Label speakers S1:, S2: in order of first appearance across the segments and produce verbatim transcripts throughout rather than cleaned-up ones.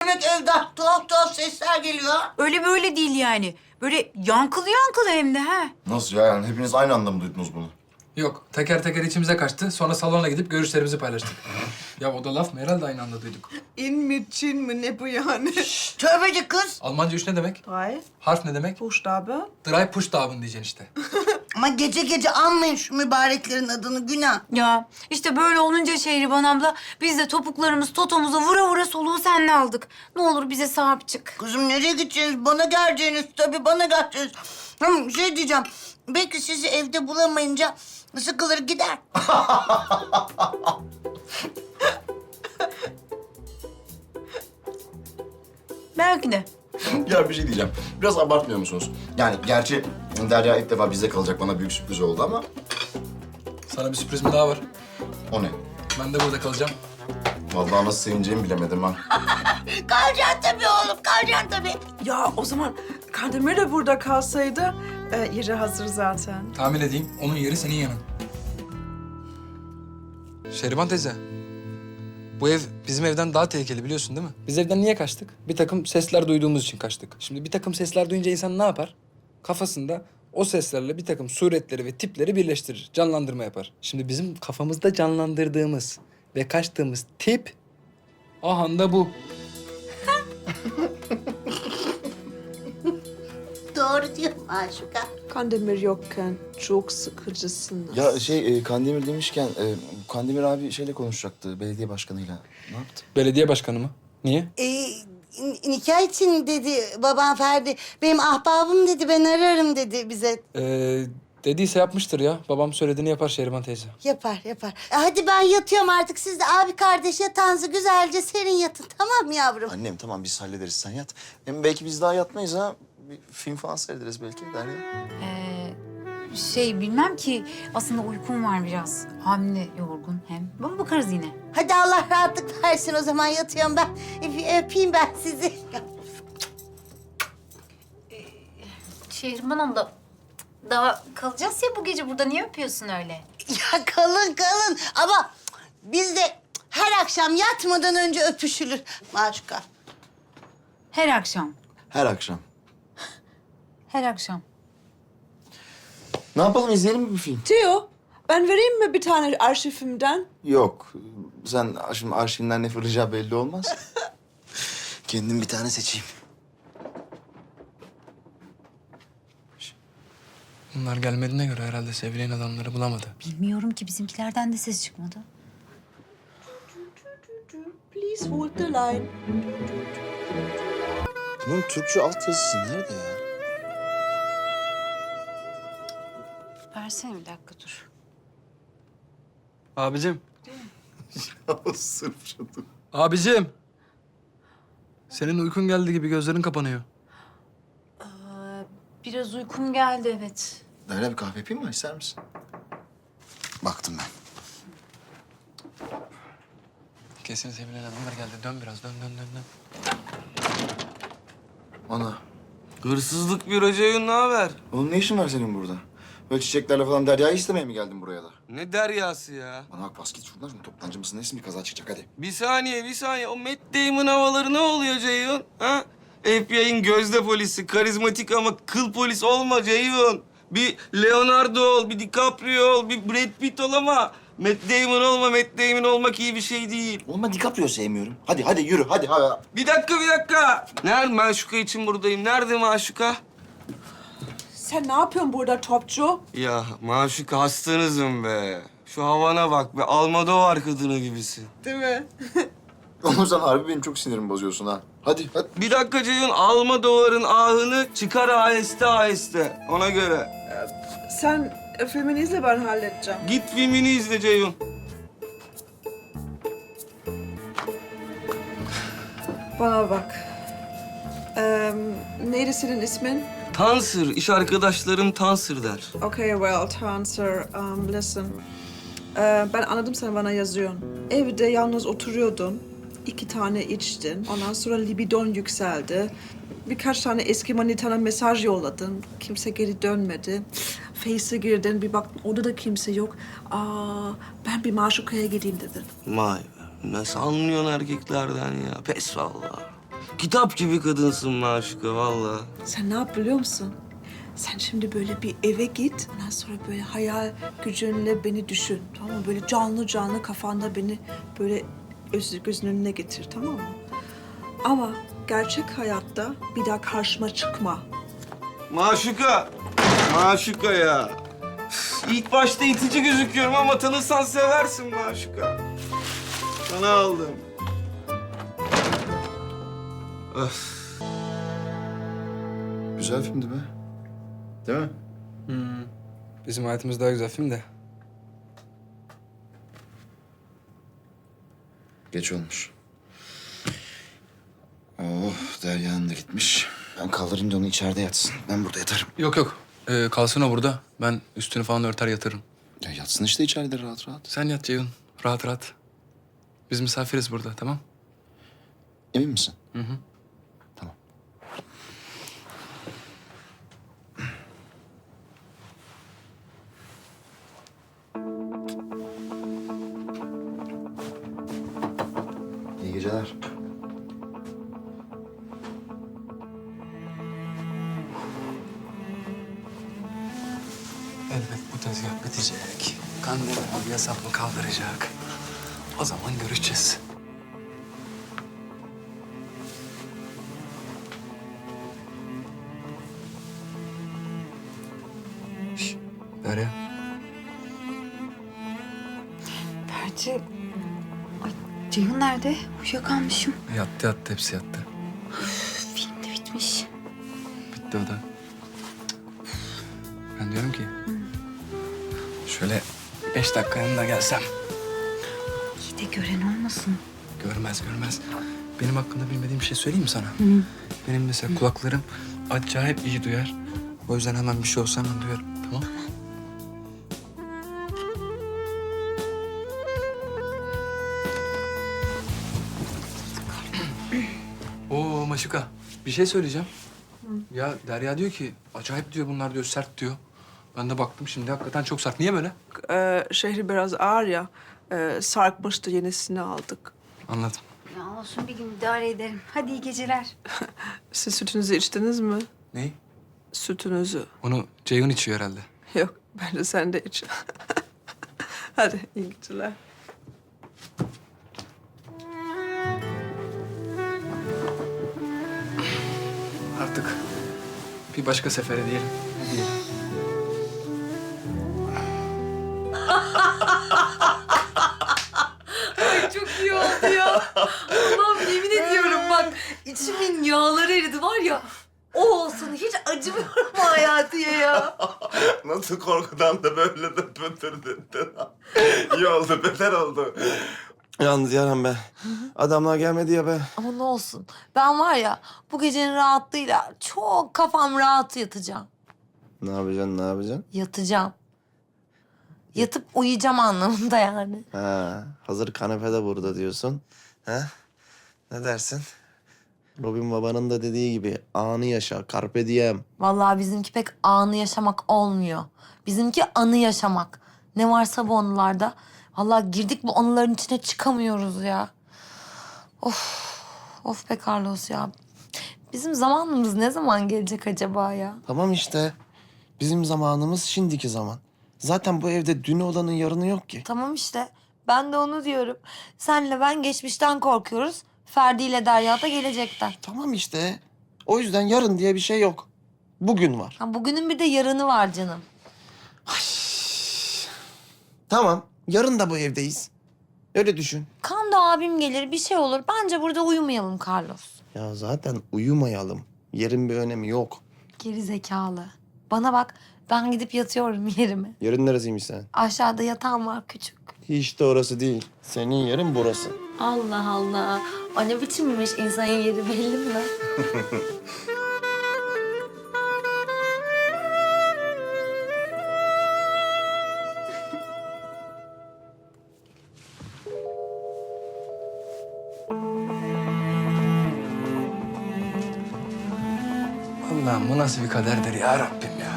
S1: demek evden? Tuhaf tuhaf sesler geliyor.
S2: Öyle böyle değil yani. Böyle yankılı yankılı hem de ha.
S3: Nasıl ya? Yani hepiniz aynı anda mı duydunuz bunu?
S4: Yok, teker teker içimize kaçtı. Sonra salona gidip görüşlerimizi paylaştık. Ya o da laf mı? Herhalde aynı anda duyduk.
S5: İn mi, Çin mi, ne bu yani?
S1: Tövbeci kız.
S4: Almanca üç ne demek?
S5: Drei
S4: Harf ne demek?
S5: Buchstabe.
S4: Drei Pushtaben diyeceksin işte.
S1: Ama gece gece anmayın şu mübareklerin adını, günah.
S2: Ya işte böyle olunca Şehriban abla biz de topuklarımız totomuza vura vura soluğu seninle aldık. Ne olur bize sahip çık.
S1: Kızım nereye gideceksiniz? Bana geleceğiniz tabii, bana geleceğiniz. Hem şey diyeceğim, belki sizi evde bulamayınca sıkılır gider.
S2: Belki de.
S3: Ya bir şey diyeceğim. Biraz abartmıyor musunuz? Yani gerçi Derya ilk defa bizde kalacak, bana büyük sürpriz oldu ama...
S4: Sana bir sürprizim daha var.
S3: O ne?
S4: Ben de burada kalacağım.
S3: Vallahi nasıl sevineceğimi bilemedim ha.
S1: Kalacaksın tabii oğlum, kalacaksın tabii.
S5: Ya o zaman Kandemir de burada kalsaydı e, yeri hazır zaten.
S4: Tahmin edeyim, onun yeri senin yanın. Şehriban teyze, bu ev bizim evden daha tehlikeli biliyorsun değil mi? Biz evden niye kaçtık? Bir takım sesler duyduğumuz için kaçtık. Şimdi bir takım sesler duyunca insan ne yapar? Kafasında o seslerle bir takım suretleri ve tipleri birleştirir, canlandırma yapar. Şimdi bizim kafamızda canlandırdığımız ve kaçtığımız tip ahanda bu.
S1: Doğru diyor Maşuka.
S5: Kandemir yokken çok sıkıcısınız.
S3: Ya şey, e, Kandemir demişken, e, Kandemir abi şeyle konuşacaktı, belediye başkanıyla. Ne yaptı?
S4: Belediye başkanı mı? Niye?
S1: Ee, n- nikah için dedi babam Ferdi. Benim ahbabım dedi, ben ararım dedi bize.
S4: Ee, dediyse yapmıştır ya. Babam söylediğini yapar Şehriban teyze.
S1: Yapar, yapar. E, hadi ben yatıyorum artık. Siz de abi kardeş yatağınızı güzelce serin yatın. Tamam mı yavrum?
S3: Annem tamam, biz hallederiz, sen yat. Hem belki biz daha yatmayız ha. Bir film falan seyrederiz belki Derya.
S2: Ee, şey bilmem ki aslında uykum var biraz. Hamile yorgun hem. Bana bakarız yine.
S1: Hadi Allah rahatlık versin, o zaman yatıyorum ben. Öp- Öpeyim ben sizi.
S2: Şehriban abla daha kalacağız ya bu gece burada. Niye öpüyorsun öyle?
S1: Ya kalın kalın ama biz de her akşam yatmadan önce öpüşülür Maşuka.
S2: Her akşam.
S3: Her akşam.
S2: Her akşam.
S3: Ne yapalım, izleyelim mi bir film?
S5: Theo, ben vereyim mi bir tane arşivimden?
S3: Yok. Sen şimdi arşivinden ne fırlayacağı belli olmaz. Kendim bir tane seçeyim.
S4: Bunlar gelmediğine göre herhalde sevilen adamları bulamadı.
S2: Bilmiyorum ki bizimkilerden de ses çıkmadı.
S5: Please hold the line.
S3: Bunun Türkçe altyazısı nerede ya?
S2: Versene bir dakika dur.
S4: Abicim.
S3: Sırf şunu.
S4: Abicim. Senin uykun geldi gibi gözlerin kapanıyor.
S2: Ee, biraz uykum geldi evet.
S3: Derya bir kahve yapayım mı? İster misin? Baktım ben.
S4: Kesin sevilen adamlar geldi. Dön biraz. Dön dön dön dön.
S3: Ana.
S6: Hırsızlık büro Ceyhun, ne haber?
S3: Oğlum ne işin var senin burada? Böyle çiçeklerle falan Derya'yı istemeye mi geldin buraya da?
S6: Ne deryası ya?
S3: Bana bak, bas git şuradan. Şimdi toptancı mısın? Nesin, bir kaza çıkacak hadi.
S6: Bir saniye, bir saniye. O Matt Damon havaları ne oluyor Ceyhun? Ha? F B I'nin gözde polisi, karizmatik ama kıl polis olma Ceyhun. Bir Leonardo ol, bir DiCaprio ol, bir Brad Pitt ol ama Matt Damon olma. Matt Damon olmak iyi bir şey değil.
S3: Oğlum ben DiCaprio sevmiyorum. Hadi hadi yürü hadi. hadi.
S6: Bir dakika, bir dakika. Nerede Maşuka için buradayım? Nerede Maşuka?
S5: Sen ne yapıyorsun burada topçu?
S6: Ya Maşuka, hastanızım be. Şu havana bak be. Almodovar kadını gibisin.
S5: Değil mi?
S3: Oğlum sen harbi benim çok sinirimi bozuyorsun ha. Hadi hadi.
S6: Bir dakika Ceyhun, Almodovar'ın ahını çıkar aheste aheste. Ona göre.
S5: Sen e, filmini izle, ben halledeceğim.
S6: Git filmini izle Ceyhun.
S5: Bana bak. Ee, neydi senin ismin?
S6: Tansır, iş arkadaşlarım Tansır der.
S5: Okay, well, Tanser, um, listen. Ee, ben anladım, sen bana yazıyorsun. Evde yalnız oturuyordun. İki tane içtin. Ondan sonra libidon yükseldi. Birkaç tane eski manitana mesaj yolladın. Kimse geri dönmedi. Face'e girdin, bir baktın orada da kimse yok. Aa, ben bir Maşuka'ya gideyim dedin.
S6: Vay be. Nasıl anlıyorsun erkeklerden ya? Pes vallahi. Kitap gibi kadınsın Maşuka vallahi.
S5: Sen ne yap biliyor musun? Sen şimdi böyle bir eve git. Ondan sonra böyle hayal gücünle beni düşün. Tamam mı? Böyle canlı canlı kafanda beni böyle öz, gözünün önüne getir, tamam mı? Ama gerçek hayatta bir daha karşıma çıkma.
S6: Maşuka. Maşuka ya. Üf, İlk başta itici gözüküyorum ama tanırsan seversin Maşuka. Sana aldım. Öf.
S3: Güzel filmdi be. Değil mi?
S4: Bizim hayatımız daha güzel film de.
S3: Geç olmuş. Oh, Derya'nın da gitmiş. Ben kaldırınca onu içeride yatsın. Ben burada yatarım.
S4: Yok yok. Ee, kalsın o burada. Ben üstünü falan örter yatırım.
S3: Ya yatsın işte içeride rahat rahat.
S4: Sen yat Ceyhun. Rahat rahat. Biz misafiriz burada, tamam?
S3: Emin misin?
S4: Hı hı.
S3: Tamam. İyi geceler.
S4: Elbet bu tezgah bitecek. Kandemir abi hesabını kaldıracak. O zaman görüşeceğiz. Şş, Derya.
S2: Berce... Ay, Ceyhun nerede? Uyuyakalmışım.
S4: Yattı yattı, hepsi yattı.
S2: Film de bitmiş.
S4: Bitti o da. Ben diyorum ki... Şöyle beş dakika yanına gelsem.
S2: İyi de gören olmasın.
S4: Görmez görmez. Benim hakkında bilmediğim bir şey söyleyeyim mi sana? Benim mesela kulaklarım acayip iyi duyar. O yüzden hemen bir şey olsa hemen duyarım. Tamam? Oo Maşuka, bir şey söyleyeceğim. Ya Derya diyor ki acayip diyor, bunlar diyor sert diyor. Ben de baktım şimdi hakikaten çok sert. Niye böyle?
S5: Ee, şehri biraz ağır ya. Ee, sarkmıştı, yenisini aldık.
S4: Anladım.
S2: Ya olsun, bir gün idare ederim. Hadi iyi geceler.
S5: Siz sütünüzü içtiniz mi?
S4: Neyi?
S5: Sütünüzü.
S4: Onu Ceyhun içiyor herhalde.
S5: Yok, bence sen de iç. Hadi iyi geceler.
S4: Artık bir başka sefere diyelim. Diyelim.
S7: Çok iyi oldu ya. Allah'ım yemin ediyorum bak içimin yağları eridi var ya. O olsun hiç acımıyorum Hayati'ye ya.
S6: Nasıl korkudan da böyle de pötürdün. İyi oldu, beter oldu. Yalnız Yaren be. Adamlar gelmedi ya be.
S7: Ama ne olsun ben var ya bu gecenin rahatlığıyla çok kafam rahat yatacağım.
S6: Ne yapacaksın, ne yapacaksın?
S7: Yatacağım. Yatıp uyuyacağım anlamında yani.
S6: Ha, hazır kanepede burada diyorsun. Ha? Ne dersin? Robin babanın da dediği gibi anı yaşa, carpe diem.
S7: Vallahi bizimki pek anı yaşamak olmuyor. Bizimki anı yaşamak. Ne varsa bu anılarda. Vallahi girdik bu anıların içine çıkamıyoruz ya. Of, of be Carlos ya. Bizim zamanımız ne zaman gelecek acaba ya?
S6: Tamam işte. Bizim zamanımız şimdiki zaman. Zaten bu evde dün olanın yarını yok ki.
S7: Tamam işte. Ben de onu diyorum. Senle ben geçmişten korkuyoruz. Ferdi ile Derya da gelecekten.
S6: Tamam işte. O yüzden yarın diye bir şey yok. Bugün var.
S7: Ha, bugünün bir de yarını var canım.
S6: Tamam. Yarın da bu evdeyiz. Öyle düşün.
S7: Kando abim gelir bir şey olur. Bence burada uyumayalım Carlos.
S6: Ya zaten uyumayalım. Yerin bir önemi yok.
S7: Geri zekalı. Bana bak, ben gidip yatıyorum yerime.
S6: Yerin neresiymiş sen?
S7: Aşağıda yatağım var küçük.
S6: Hiç de orası değil. Senin yerin burası.
S7: Allah Allah. O ne biçimmiş, insanın yeri belli mi lan?
S4: Allah'ım bu nasıl bir kaderdir ya Rabbim ya.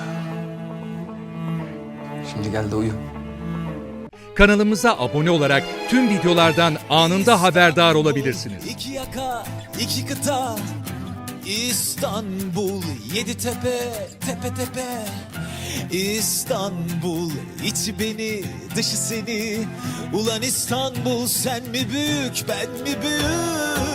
S4: Şimdi gel de uyu.
S8: Kanalımıza abone olarak tüm videolardan anında haberdar olabilirsiniz.
S9: İki yaka,
S8: iki kıta, İstanbul, yedi tepe, tepe tepe. İstanbul, içi beni, dışı seni. Ulan İstanbul, sen mi büyük, ben mi büyük?